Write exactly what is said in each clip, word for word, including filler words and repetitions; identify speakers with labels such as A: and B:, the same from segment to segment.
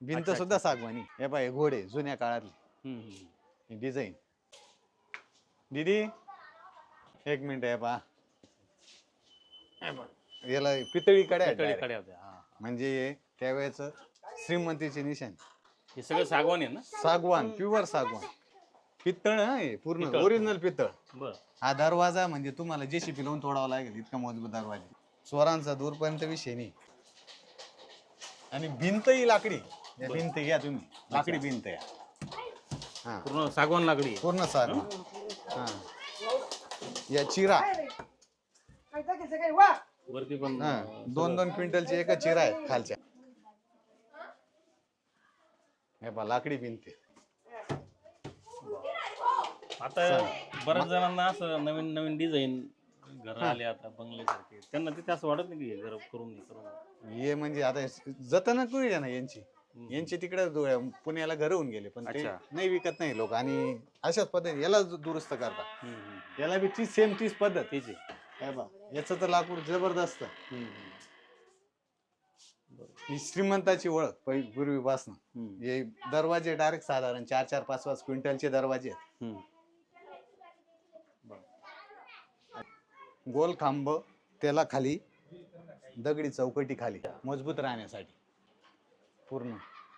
A: भिंत
B: अच्छा,
A: सुद्धा
B: अच्छा.
A: सागवानी. हे पाय घोडे जुन्या काळातले
B: हम्म, हम्म.
A: डिझाईन. दीदी एक मिनिट आहे पहा. याला पितळी कड्या आहेत
B: पितळी
A: direct.
B: कड्या होत्या. हा.
A: म्हणजे त्यावेळेच श्रीमंतीचे निशाण.
B: हे सगळं सागवान आहे ना?
A: सागवान प्युअर सागवान. पितळ आहे पूर्ण
B: पितळ.
A: ओरिजिनल पितळ.
B: बर.
A: हा दरवाजा म्हणजे तुम्हाला जेसीबी लावून तोडावा लागेल इतका मजबूत दरवाजा. स्वरांचा दूरपर्यंत विषय नाही. आणि भिंत ही लाकडी. या
B: बरं.
A: भिंत घ्या तुम्ही लाकडी भिंत आहे. हा
B: पूर्ण सागवान लाकडी आहे.
A: पूर्ण सागवान. हा या चिरा
B: वरती पण
A: हा
B: अं,
A: दोन दोन क्विंटलची एक चिरा आहेत खालच्या. हे पहा लाकडी भिंत आहे.
B: आता बऱ्याच जणांना असं नवीन नवीन डिझाईन घर आले आता बंगले सारखे, त्यांना तिथे असं वाटत नाही की घर करून नाही करून.
A: हे म्हणजे आता जतन करू ना यांची यांची तिकडे पुण्याला घर होऊन गेले पण ते
B: अच्छा.
A: नाही विकत नाही लोक आणि अशाच पद्धती याला दु- दुरुस्त करतात.
B: हम्म, हम्म.
A: याला बी तीच सेम तीच पद्धत.
B: तेच आहे.
A: हे बा याचं तर लाकूड जबरदस्त.
B: हम्म, हम्म.
A: ही श्रीमंताची ओळख पहि- पूर्वीपासून.
B: हम्म,
A: हे दरवाजे डायरेक्ट साधारण चार चार पाच पाच क्विंटलचे दरवाजे आहेत.
B: हम्म.
A: गोल खांब त्याला खाली दगडी चौकटी खाली मजबूत राहण्यासाठी पूर्ण.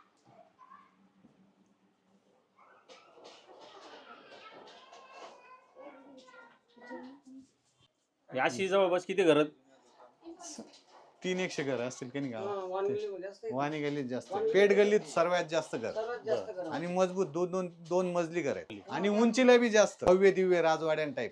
B: हे अशी जवळपास किती घर?
A: तीन एकशे घर असतील की नाही गावात. वाणी गल्लीत जास्त, पेठ गल्लीत सर्वात जास्त घर आणि मजबूत दोन दोन दोन मजली घर आहेत आणि उंचीला बी जास्त भव्य दिव्य राजवाड्यां टाईप.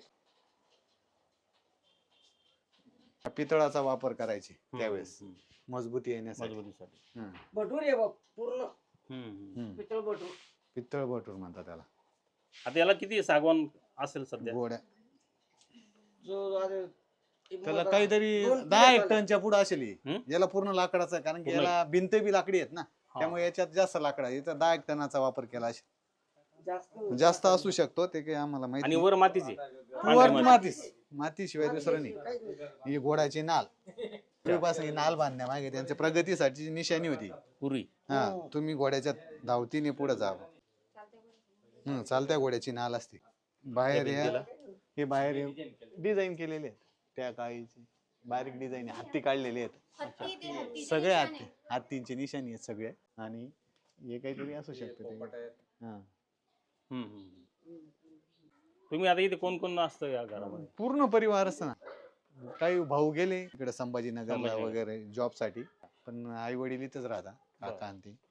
A: पितळाचा वापर करायचे त्यावेळेस मजबूती येण्यासाठी.
B: मजबुतीसाठी.
A: हं.
C: भटूर आहे बाप पूर्ण
B: हम्म, हम्म.
A: हं.
C: पितळ भटूर.
A: पितळ भटूर म्हणतात त्याला.
B: आता याला किती सागवान असेल सध्या?
A: गोड्या
C: जो आता एक
A: त्याला
C: मोठा-
A: काहीतरी
C: दोन
A: दहा एक
C: किलो
A: टनच्या पुढे असेल ही.
B: हं?
A: याला पूर्ण लाकडाचा आहे कारण की
B: पूर्ण.
A: याला भिंत बी लाकडी आहेत ना त्यामुळे याच्यात जास्त लाकड आहे. इथं दहा एक टनाचा वापर केला असेल.
C: जास्त
A: जास्त असू शकतो ते काही आम्हाला माहिती
B: आणि
A: नाही.
B: वर मातीचे
A: वर मातीच मातीशिवाय दुसरं नाही. ही घोड्याची नाल पूर्वीपासून ही नाल बांधण्यामागे त्यांच्या प्रगतीसाठी निशाणी होती.
B: पूर्वी.
A: हा तुम्ही घोड्याच्या धावतीने पुढे जावं. हम्म चालत्या घोड्याची नाल असते. बाहेर
B: त्या
A: या
B: भिंतीला?
A: हे बाहेर डिझाईन केलेले आहेत त्या काळीचे बारीक डिझाईन हत्ती काढलेले आहेत. सगळे हत्ती हत्तींची निशाणी आहेत सगळे आणि हे काहीतरी असू शकतं ते. हा
B: हम्म, हम्म. तुम्ही आता इथे कोण कोण असतं या घरामध्ये?
A: पूर्ण परिवार असतं ना. काही भाऊ गेले इकडे संभाजीनगरला
B: संभाजीनगर.
A: वगैरे जॉब साठी पण आई वडील इथंच राहतात काका आणि ते.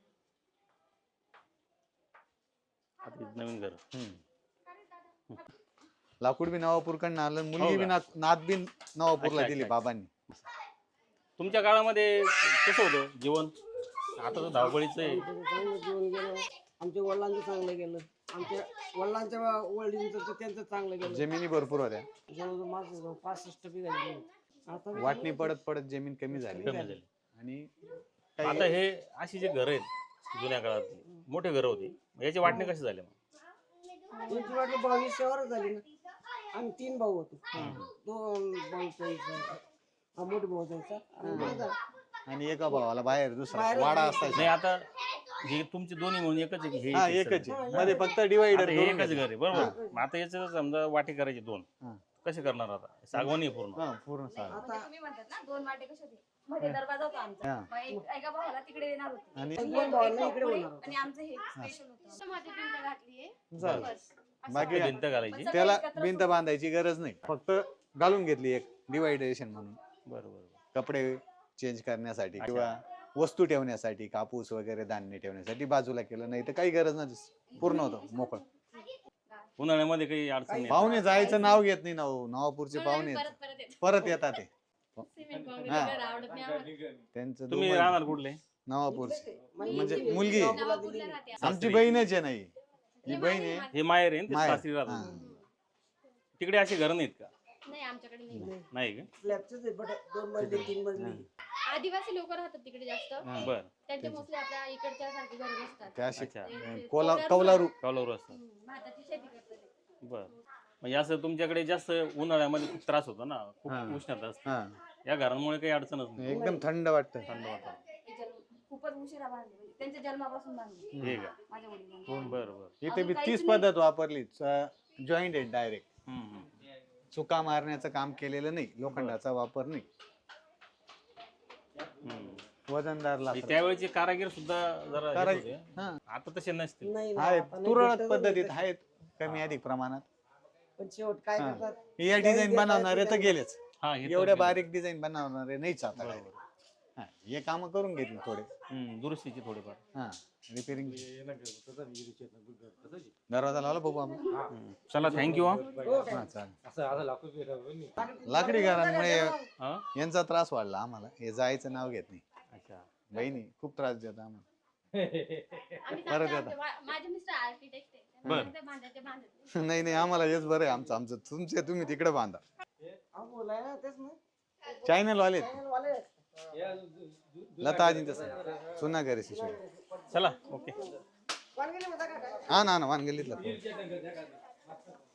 B: आता इथं नवीन घर.
A: हम्म. लाकूड बी नवापूरकडनं आलं मुलगी
B: हो
A: बी
B: का?
A: नात नात बी नवापूरला
B: अच्छा,
A: दिली
B: अच्छा.
A: बाबांनी.
B: तुमच्या काळामध्ये कसं होतं जीवन? आता तर धावपळीचं आहे.
C: चांगलं जीवन गेलं. आमच्या वडिलांचं चांगलं गेलं. आमच्या वडिलांच्या वडिलांचं तर त्यांचं चांगलं गेलं.
A: जमिनी भरपूर होत्या.
C: जवळजवळ माझं जवळ पासष्ट बिघा जमीन. आता बी
A: वाटणी पडत पडत जमीन कमी झाली
B: कमी झाली.
A: आणि
B: आता हे अशी जे घर आहेत जुन्या काळातली मोठे घर होते, याची वाटणी कशी झाली मग?
C: त्यांची वाटणी बावीसशेवरच झाली ना. आम्ही तीन भाऊ होतो. दोन भाऊ जायचा हा मोठे भाऊ जायचा आणि माझा.
A: आणि एका भावाला बाहेर दुसरा
C: बाहेर
A: वाडा
C: एक-
A: असायचा.
B: नाही आता हे तुमचे दोन्ही म्हणून एकच आहे की हे
A: हा
B: एकच
A: एकच
B: आहे?
A: आहे. मध्ये फक्त डिवाइडर
B: आता हे एकच घर आहे बरोबर. मग आता याचं समजा वाटे करायचे दोन,
A: हा.
B: कसे करणार आता? सागवानी आहे पूर्ण.
A: हा पूर्ण सारं.
D: म्हणजे तुम्ही म्हणतात ना दोन वाटे कसे होते मध्ये दरवाजा होता आमचा.
A: हा.
D: मग एक- एका भावाला तिकडे देणार होते
A: आणि
C: दोन भावांना इकडे
D: पुढे
C: होणार होतं.
D: आणि आमचं हे स्पेशल होतं. मध्ये भिंत घातलीये
A: झालं.
D: बस. असं
A: बाकी
D: होतं.
B: भिंत घालायची.
D: पण सगळं
A: त्याला
D: एकत्र
A: भिंत बांधायची गरज नाही फक्त घालून घेतली एक डिवायडेशन म्हणून
B: बरोबर.
A: कपडे चेंज करण्यासाठी किंवा वस्तू ठेवण्यासाठी कापूस वगैरे धान्य ठेवण्यासाठी बाजूला केलं नाही तर काही गरज नाही पूर्ण होतं मोकळं.
B: उन्हाळ्यामध्ये काही अडचण नाही.
A: पाहुणे जायचं नाव घेत नाही ना हो. नवापूरचे पाहुणे
D: परत
A: येतात.
D: परत येते.
A: परत येतात ते
D: सिमेंट काँक्रीट
A: हा.
D: घर आवडत नाही आम्हाला.
A: त्यांचं
B: तुम्ही
A: दोघं
B: राहणार कुठले?
A: नवापूरचे
C: म्हणजे
A: म्हणजे
C: इथे
A: मुलगी आहे.
D: नवापूरला राहते.
A: आमची बहीणच आहे नाही ही बहीण आहे
B: हे माहेर आहे ना, ते
A: माहेर.
B: सासरी राहतात.
A: हा.
B: तिकडे अशी घर नाहीत का?
D: नाही आमच्याकडे नाही.
B: नाही का?
C: स्लॅबचंच आहे, बट दोन मजली तीन मजली.
D: आदिवासी लोक राहतात तिकडे जास्त.
B: बर.
D: त्यांचे मोस्टली आपल्या इकडच्या सारखी घर नसतात.
A: त्या अशी
B: अच्छा.
D: ते-
A: कोला
D: ते
A: कौलारू
B: कॉलवर असतात.
D: हम्म, भाताची शेती करतात ते.
B: बर. म्हणजे असं तुमच्याकडे जास्त उन्हाळ्यामध्ये खूप त्रास होतो ना, खूप
A: हा.
B: उष्णता असते.
A: हा
B: या घरांमुळे काही अडचणच नाही.
A: एकदम थंड वाटतं.
B: थंड वातावरण.
E: खूपच उशिरा बांधले म्हणजे त्यांच्या जन्मापासून बांधले
B: हे का
E: माझ्या वडिलांनी.
B: बरं बरं
A: इथे बी
E: अजून
A: तीच
E: काहीच
A: पद्धत वापरली जॉईंट आहे डायरेक्ट.
B: हम्म, हम्म.
A: चुका मारण्याचं काम केलेलं नाही, लोखंडाचा वापर नाही.
B: हम्म.
A: वजनदार
B: म्हणजे
A: लाकूड
B: त्यावेळेचे कारागीर सुद्धा जरा हेच
A: कारा-
B: होते.
A: हा
B: आता तसे नसतील.
C: नाही ना,
A: आहेत
C: आता नाही
A: तुरळक
C: भेटतच
A: पद्धतीत
C: नाही.
A: आहेत कमी अधिक प्रमाणात.
C: पण शेवट काय
A: हा.
C: करतात
A: या डिझाईन बनवणारे तर गेलेच,
B: हा हे तर
A: एवढ्या
B: गेलं.
A: बारीक डिझाईन बनवणारे नाहीच आता काय. हा, हे काम करून घेतली थोडे.
B: हम्म, दुरुस्तीची थोडीफार.
A: हा रिपेरिंग. दरवाजा लावला बघू आपण.
B: हम्म. चला थँक्यू
A: हा चालेल. लाकडी घरांमुळे
B: हा
A: यांचा त्रास वाढला आम्हाला. हे जायचं नाव घेत नाही.
B: अच्छा
A: बहिणी खूप त्रास देतात आम्हाला.
D: आम्ही
A: परत
D: सांगतो,
A: येता.
D: आमचे वा- माझे मिस्टर आर्किटेक्ट आहे
B: बरं.
D: त्यामुळे ते बांधायचे बांधत नाही.
A: नाही नाही आम्हाला हेच बरं आहे. आमचं आमचं तुमचे तुम्ही तिकडे बांधा.
C: अहो, बोलाय ना तेच ना
A: चॅनल वाले
C: वाले
A: लता आजी तसं सुना घरी शिशू.
B: चला ओके
C: कोण गेले म्हणता का काय?
A: हा ना ना वानगल्लीतला